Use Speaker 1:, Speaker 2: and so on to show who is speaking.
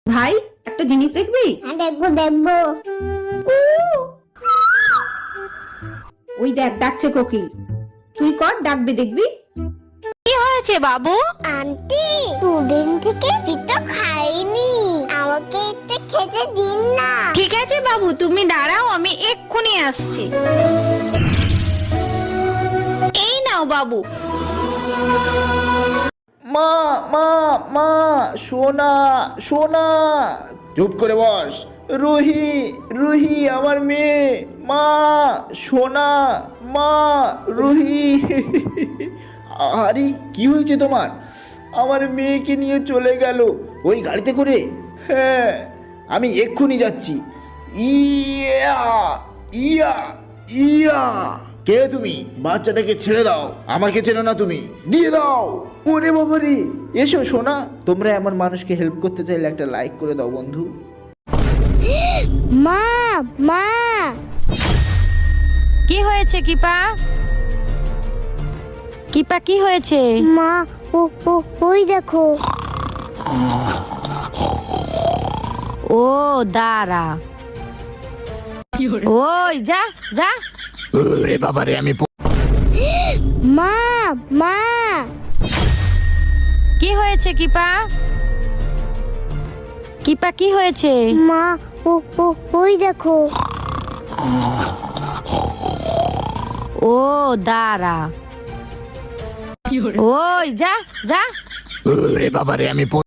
Speaker 1: ভাই একটা জিনিস দেখবি?
Speaker 2: হ্যাঁ দেখবো দেখবো।
Speaker 1: ওই দেখ ডাকছে কোকিল, তুই কর ডাকবে দেখবি।
Speaker 3: কি হয়েছে বাবু?
Speaker 2: আন্টি দুদিন থেকে কিছু খাইনি, আমাকে একটু খেতে দিন না।
Speaker 3: ঠিক আছে বাবু, তুমি দাঁড়াও, আমি এক্ষুনি আসছি। এই নাও বাবু।
Speaker 4: মা মা মা, সোনা সোনা। চুপ করে বস। রুহি রুহি আমার মেয়ে, মা সোনা, মা রুহি। আরে কি হয়েছে তোমার? আমার মেয়েকে নিয়ে চলে গেল ওই গাড়িতে করে। হ্যাঁ আমি এক্ষুনি যাচ্ছি। ইয়া ইয়া ইয়া। কে তুমি? বাচ্চাটাকে ছেড়ে দাও, আমাকে চেনো না তুমি, দিয়ে দাও। ওরে বাবারে, এসো সোনা। তোমরা এমন মানুষকে হেল্প করতে চাইলে একটা লাইক করে দাও বন্ধু।
Speaker 2: মা মা।
Speaker 3: কি হয়েছে কিপা? কিপা কি হয়েছে?
Speaker 2: মা ও ও ওই দেখো।
Speaker 3: ও দাঁড়া, ওই যা যা।
Speaker 4: ওরে বাবারে, আমি
Speaker 2: মা মা।
Speaker 3: কি হয়েছে কিপা? কিপা কি হয়েছে?
Speaker 2: মা ও ও ওই দেখো।
Speaker 3: ও দাঁড়া, ওই যা যা।
Speaker 4: ওরে বাবারে, আমি